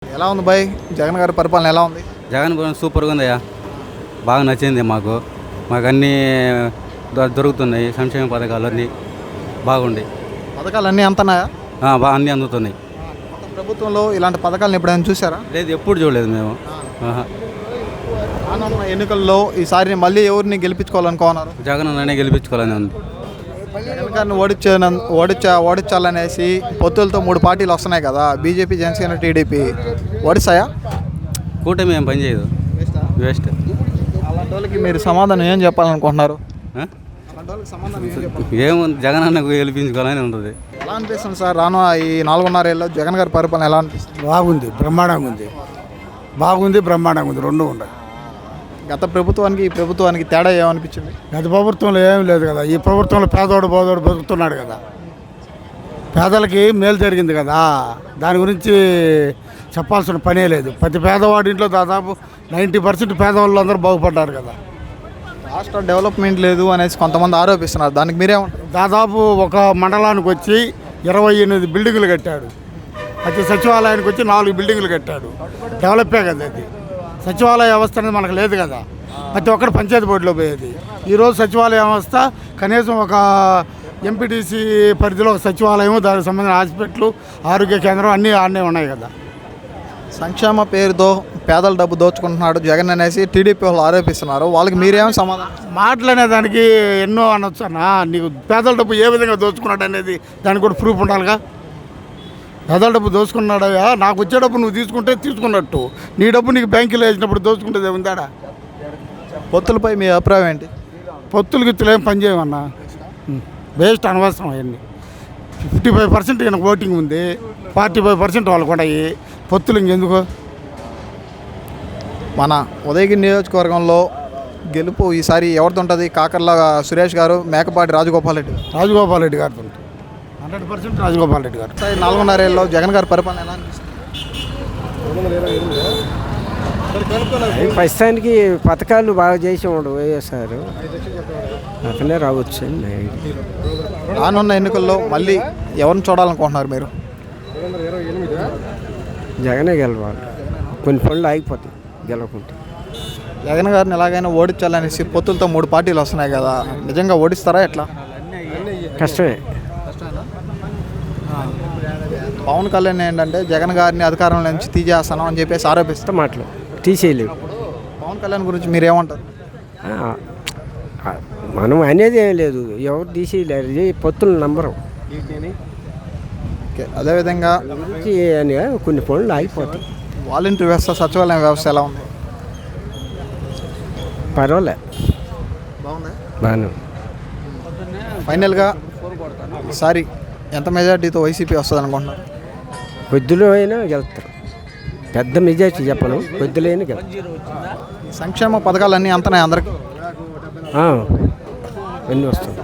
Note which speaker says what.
Speaker 1: ఎలా ఉంది బాయ్ జగన్ గారి పరిపాలన ఎలా ఉంది?
Speaker 2: జగన్ సూపర్గా ఉందయ్యా, బాగా నచ్చింది మాకు. మాకు అన్నీ దొరుకుతున్నాయి, సంక్షేమ పథకాలు అన్నీ బాగుండి.
Speaker 1: పథకాలు అన్నీ అంతనాయా?
Speaker 2: బాగా అన్నీ అందుతున్నాయి.
Speaker 1: ప్రభుత్వంలో ఇలాంటి పథకాలను ఎప్పుడైనా చూసారా?
Speaker 2: లేదు, ఎప్పుడు చూడలేదు మేము.
Speaker 1: రానున్న ఎన్నికల్లో ఈసారి మళ్ళీ ఎవరిని గెలిపించుకోవాలనుకున్నారు?
Speaker 2: జగన్ అన్ననే గెలిపించుకోవాలని ఉంది.
Speaker 1: జగన్ గారిని ఓడించాలనేసి పొత్తులతో 3 పార్టీలు వస్తున్నాయి కదా, బీజేపీ, జనసేన, టీడీపీ. ఓడిస్తాయా?
Speaker 2: కూటమి ఏం పని చేయదు, వేస్ట్.
Speaker 1: అలాంటి వాళ్ళకి మీరు సమాధానం ఏం చెప్పాలనుకుంటున్నారు?
Speaker 2: ఏముంది, జగన్ అన్నకు గెలిపించుకోవాలని ఉంటుంది.
Speaker 1: ఎలా అనిపిస్తుంది సార్ రాను ఈ 4.5 ఏళ్ళలో జగన్ గారి పరిపాలన ఎలా అనిపిస్తుంది?
Speaker 3: బాగుంది, బ్రహ్మాండంగా ఉంది. బ్రహ్మాండంగా ఉంది, రెండు ఉన్నాయి.
Speaker 1: గత ప్రభుత్వానికి ఈ ప్రభుత్వానికి తేడా ఏమనిపించింది?
Speaker 3: గత ప్రభుత్వంలో ఏం లేదు కదా, ఈ ప్రభుత్వంలో పేదోడు బోదోడు బతుకుతున్నాడు కదా, పేదలకి మేలు జరిగింది కదా, దాని గురించి చెప్పాల్సిన పనే లేదు. ప్రతి పేదవాడి ఇంట్లో దాదాపు 90% పేదవాళ్ళు అందరూ బాగుపడ్డారు కదా.
Speaker 1: రాష్ట్ర డెవలప్మెంట్ లేదు అనేసి కొంతమంది ఆరోపిస్తున్నారు, దానికి మీరేమంటారు?
Speaker 3: దాదాపు ఒక మండలానికి వచ్చి 28 బిల్డింగులు కట్టాడు, ప్రతి సచివాలయానికి వచ్చి 4 బిల్డింగులు కట్టాడు. డెవలపే కదా అది. సచివాలయ వ్యవస్థ అనేది మనకు లేదు కదా, ప్రతి ఒక్కరు పంచాయతీ బోర్డులో పోయేది. ఈరోజు సచివాలయ వ్యవస్థ కనీసం ఒక ఎంపీటీసీ పరిధిలో ఒక సచివాలయం, దానికి సంబంధించిన హాస్పిటల్, ఆరోగ్య కేంద్రం అన్నీ ఆడనే ఉన్నాయి కదా.
Speaker 1: సంక్షేమ పేరుతో పేదల డబ్బు దోచుకుంటున్నాడు జగన్ అనేసి టీడీపీ వాళ్ళు ఆరోపిస్తున్నారు, వాళ్ళకి మీరేమో సమాధానం?
Speaker 3: మాటలు అనేదానికి ఎన్నో అనొచ్చు అన్న. నీకు పేదల డబ్బు ఏ విధంగా దోచుకున్నాడు అనేది దానికి కూడా ప్రూఫ్ ఉండాలిగా. పేదల డబ్బు దోచుకున్నాడయ్యా, నాకు వచ్చే డబ్బు నువ్వు తీసుకుంటే తీసుకున్నట్టు, నీ డబ్బు నీకు బ్యాంకులో వేసినప్పుడు దోచుకుంటే ఉందాడా?
Speaker 1: పొత్తులపై మీ అభిప్రాయం ఏంటి?
Speaker 3: పొత్తులు గిత్తులు ఏం పని చేయమన్నా, వేస్ట్, అనవసరం అవన్నీ. 55% ఈయనకు ఓటింగ్ ఉంది, 45% వాళ్ళకు ఉన్నాయి. పొత్తులు ఇంకెందుకు?
Speaker 1: మన ఉదయగిరి నియోజకవర్గంలో గెలుపు ఈసారి ఎవరితో ఉంటుంది? కాకర్ల సురేష్ గారు, మేకపాటి రాజగోపాల్ రెడ్డి గారు.
Speaker 3: 100% రాజగోపాల్ రెడ్డి గారు.
Speaker 1: 4.5 ఏళ్ళలో జగన్ గారి పరిపాలన ఎలా అనిపిస్తుంది?
Speaker 4: ప్రస్తుతానికి పథకాలు బాగా చేసేవాడు వైఎస్ఆర్, అతనే రావచ్చు.
Speaker 1: రానున్న ఎన్నికల్లో మళ్ళీ ఎవరిని చూడాలనుకుంటున్నారు మీరు?
Speaker 4: జగనే గెలవాలి, కొన్ని పనులు ఆగిపోతాయి గెలవకుంటే.
Speaker 1: జగన్ గారిని ఎలాగైనా ఓడించాలనేసి పొత్తులతో 3 పార్టీలు వస్తున్నాయి కదా, నిజంగా ఓడిస్తారా ఎట్లా?
Speaker 4: కష్టమే.
Speaker 1: పవన్ కళ్యాణ్ ఏంటంటే జగన్ గారిని అధికారంలో నుంచి తీసేస్తాను అని చెప్పేసి ఆరోపిస్తే
Speaker 4: మాటలు తీసేయలేవు.
Speaker 1: పవన్ కళ్యాణ్ గురించి మీరేమంటారు?
Speaker 4: మనం అనేది ఏం లేదు, ఎవరు తీసేయలేరు, పొత్తులు నంబరు.
Speaker 1: ఓకే, అదేవిధంగా
Speaker 4: కొన్ని పనులు ఆగిపోతాయి.
Speaker 1: వాలంటీర్ వ్యవస్థ, సచివాలయం వ్యవస్థ ఎలా ఉంది?
Speaker 4: పర్వాలే,
Speaker 1: బాగుంది,
Speaker 4: బాగానే.
Speaker 1: ఫైనల్గా ఈసారి ఎంత మెజార్టీతో వైసీపీ వస్తుంది అనుకుంటున్నారు?
Speaker 4: కొద్దిలో అయినా గెలుస్తారు, పెద్ద మెజార్టీ చెప్పను, కొద్దిలో అయినా గెలుస్తారు.
Speaker 1: సంక్షేమ పథకాలన్నీ అంతనే అందరికీ
Speaker 4: ఎన్ని వస్తాయి?